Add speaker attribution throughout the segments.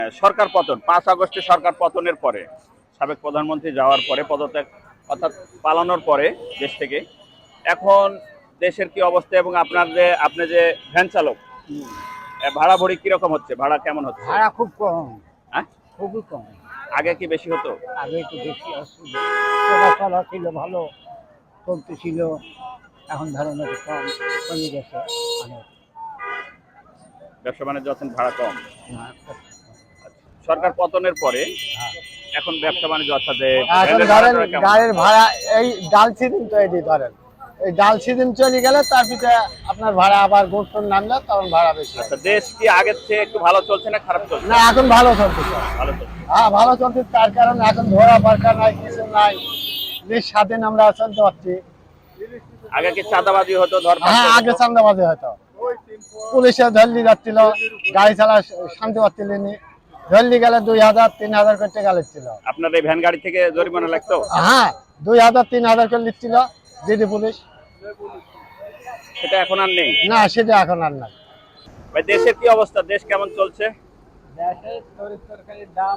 Speaker 1: সরকার পতন 5 আগস্টে সরকার পতনের পরে সাবেক প্রধানমন্ত্রী যাওয়ার পরে পদত্যাগ অর্থাৎ পালানোর পরে দেশ থেকে এখন দেশের কি অবস্থা এবং আপনি যে ভ্যান চালক ভাড়া ভরি কিরকম হচ্ছে, ভাড়া কেমন হচ্ছে?
Speaker 2: ভাড়া খুব কম,
Speaker 1: হ্যাঁ,
Speaker 2: খুবই কম।
Speaker 1: আগে কি বেশি হতো?
Speaker 2: আগে একটু বেশি অসুবিধা, চলাচলা ছিল ভালো, চলতেছিল। এখন ধরেন একটু কম, কমে গেছে অনেক।
Speaker 1: ব্যবসা বাণিজ্য এখন ভাড়া কম।
Speaker 2: না,
Speaker 1: সরকার পতনের পরে
Speaker 2: হ্যাঁ।
Speaker 1: এখন ব্যবসা বাণিজ্য অর্থাৎ যে
Speaker 2: এখন
Speaker 1: ভ্যানের
Speaker 2: ধরেন
Speaker 1: ভাড়াটা কেমন?
Speaker 2: গাড়ির ভাড়া, এই ডাল সিজন তৈরি ধরেন, এই ডাল সিজন চলে গেলে তার পিছনে আপনার ভাড়া আবার গোটন নামলে তখন ভাড়া বেশি হয়।
Speaker 1: আচ্ছা, দেশ কি আগের চেয়ে একটু ভালো চলছে না খারাপ চলছে?
Speaker 2: না, এখন ভালো চলতেছে।
Speaker 1: ভালো চলছে।
Speaker 2: হ্যাঁ, ভালো চলছে, তার কারণ এখন ধরা পারকা নাই, কিছু নাই, বেশ স্বাধীন আমরা চলতে পারছি।
Speaker 1: আগে কি চাঁদাবাজি হতো, ধরপাকড়
Speaker 2: হ্যাঁ, আগে
Speaker 1: হতো?
Speaker 2: চান্দাবাজি হয়তো, পুলিশে ধরলি যাচ্ছিল, গাড়ি চালা শান্তি পাচ্ছিলেনি, ধরলি গেলে 2000 3000 করে টাকা লিখছিল।
Speaker 1: আপনার এই ভ্যান গাড়ি থেকে জরিমানা লাগতো?
Speaker 2: হ্যাঁ, 2000 3000 করে লিখছিল দিদি পুলিশ।
Speaker 1: সেটা এখন আর নেই।
Speaker 2: না, সেটা এখন আর নাই।
Speaker 1: ভাই, দেশের কি অবস্থা, দেশ কেমন চলছে?
Speaker 2: দেশে তরকারির দাম,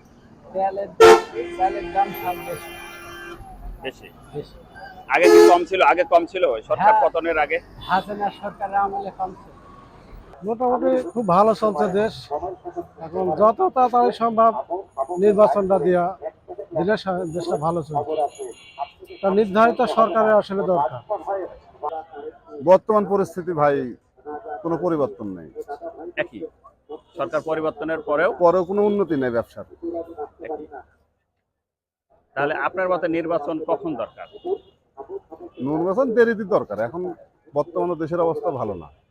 Speaker 2: তেলের দাম সব বেশি
Speaker 1: বেশি।
Speaker 2: বেশি।
Speaker 1: আগে কি কম ছিল? আগে কম ছিল সরকার
Speaker 2: হ্যাঁ।
Speaker 1: পতনের আগে?
Speaker 2: হাসিনা সরকারের আমলে কমছে।
Speaker 3: মোটামুটি খুব ভালো চলছে দেশ। এখন যত তাড়াতাড়ি সম্ভব নির্বাচনটা দিলে দেশটা ভালো চলবে। তা নির্ধারিত সরকারের আসলে দরকার।
Speaker 4: বর্তমান পরিস্থিতি ভাই কোনো পরিবর্তন নেই,
Speaker 1: একই। সরকার পরিবর্তনের পরেও
Speaker 4: পরেও কোনো উন্নতি নেই ব্যবসার।
Speaker 1: একই। তাহলে আপনার মতে নির্বাচন কখন দরকার?
Speaker 4: নির্বাচন দেরিতে দরকার, এখন বর্তমানে দেশের অবস্থা ভালো না।